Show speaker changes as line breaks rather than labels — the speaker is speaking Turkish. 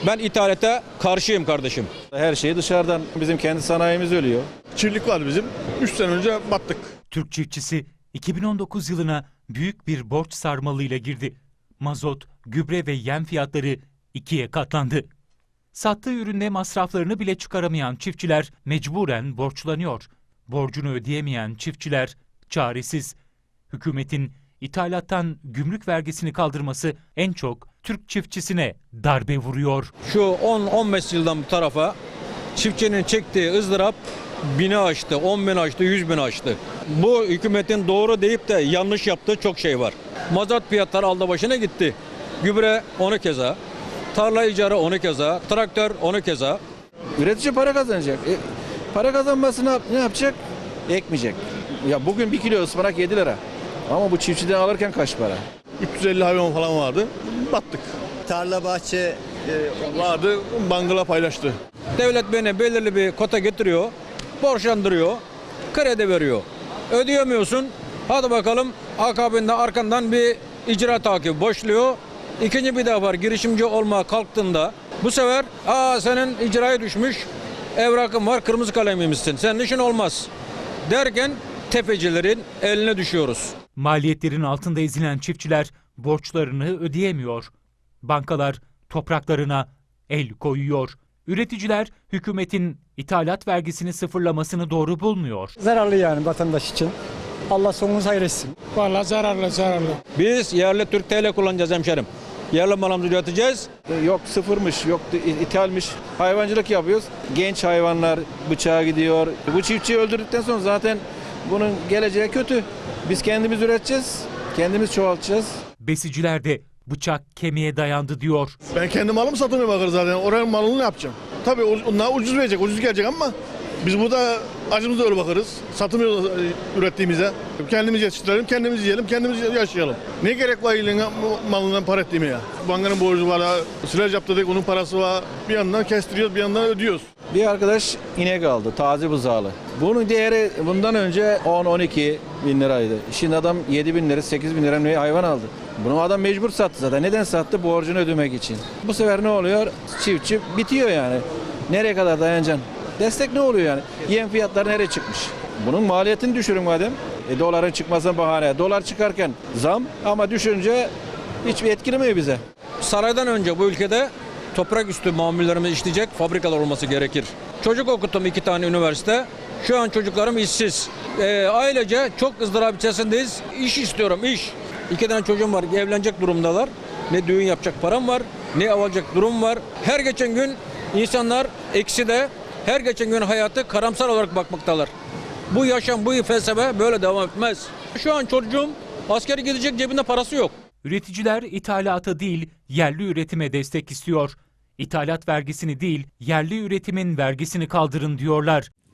Ben ithalata karşıyım kardeşim.
Her şey dışarıdan, bizim kendi sanayimiz ölüyor.
Çiftlik var bizim. 3 sene önce battık.
Türk çiftçisi 2019 yılına büyük bir borç sarmalıyla girdi. Mazot, gübre ve yem fiyatları ikiye katlandı. Sattığı ürünle masraflarını bile çıkaramayan çiftçiler mecburen borçlanıyor. Borcunu ödeyemeyen çiftçiler çaresiz. Hükümetin ithalattan gümrük vergisini kaldırması en çok Türk çiftçisine darbe vuruyor.
Şu 10-15 yıldan bu tarafa çiftçinin çektiği ızdırap 1000'i aştı, 10.000 aştı, 100.000 aştı. Bu hükümetin doğru deyip de yanlış yaptığı çok şey var. Mazot fiyatları aldı başına gitti. Gübre onu keza, tarla icarı onu keza, traktör onu keza.
Üretici para kazanacak. Para kazanması ne yapacak? Ekmeyecek. Ya bugün 1 kilo ıspanak 7 lira. Ama bu çiftçiden alırken kaç para?
350 hayvan falan vardı. Battık.
Tarla bahçe
Vardı, bangala paylaştı.
Devlet beni belirli bir kota getiriyor, borçlandırıyor, kredi veriyor. Ödeyemiyorsun, hadi bakalım akabinde arkandan bir icra takibi başlıyor. İkinci bir defa girişimci olmaya kalktığında bu sefer senin icraya düşmüş, evrakın var, kırmızı kalemimizsin, senin işin olmaz derken tefecilerin eline düşüyoruz.
Maliyetlerin altında ezilen çiftçiler borçlarını ödeyemiyor. Bankalar topraklarına el koyuyor. Üreticiler hükümetin ithalat vergisini sıfırlamasını doğru bulmuyor.
Zararlı yani vatandaş için. Allah sonumuzu hayır etsin.
Vallahi zararlı.
Biz yerli Türk TL kullanacağız hemşerim. Yerli malımızı üreteceğiz.
Yok sıfırmış, yok ithalmiş. Hayvancılık yapıyoruz. Genç hayvanlar bıçağa gidiyor. Bu çiftçiyi öldürdükten sonra zaten bunun geleceği kötü. Biz kendimiz üreteceğiz, kendimiz çoğaltacağız.
Besiciler de bıçak kemiğe dayandı diyor.
Ben kendi malımı satmaya bakarım zaten. Oranın malını ne yapacağım? Tabii onlar ucuz verecek, ucuz gelecek ama biz burada acımızda öyle bakarız. Satmıyoruz ürettiğimize. Kendimiz yetiştirelim, kendimiz yiyelim, kendimiz yaşayalım. Ne gerek var elin malından para ettiğime ya? Bankanın borcu var, silaj yaptırdık, onun parası var. Bir yandan kestiriyoruz, bir yandan ödüyoruz.
Bir arkadaş inek aldı, taze buzağlı. Bunun değeri bundan önce 10-12 bin liraydı. Şimdi adam 7 bin lira, 8 bin lira ne hayvan aldı. Bunu adam mecbur sattı zaten. Neden sattı? Borcunu ödemek için. Bu sefer ne oluyor? Çiftçi bitiyor yani. Nereye kadar dayanacaksın? Destek ne oluyor yani? Yem fiyatları nereye çıkmış? Bunun maliyetini düşürün madem. Doların çıkmasına bahane. Dolar çıkarken zam ama düşünce hiçbir etkilemiyor bize.
Saraydan önce bu ülkede toprak üstü mamullerimiz işleyecek fabrikalar olması gerekir. Çocuk okuttum 2 tane üniversite. Şu an çocuklarım işsiz. Ailece çok ızdırap içerisindeyiz. İş istiyorum, iş. 2 tane çocuğum var, evlenecek durumdalar. Ne düğün yapacak param var, ne alacak durum var. Her geçen gün insanlar ekside, her geçen gün hayatı karamsar olarak bakmaktalar. Bu yaşam, bu felsefe böyle devam etmez. Şu an çocuğum askere gidecek, cebinde parası yok.
Üreticiler ithalata değil yerli üretime destek istiyor. İthalat vergisini değil yerli üretimin vergisini kaldırın diyorlar.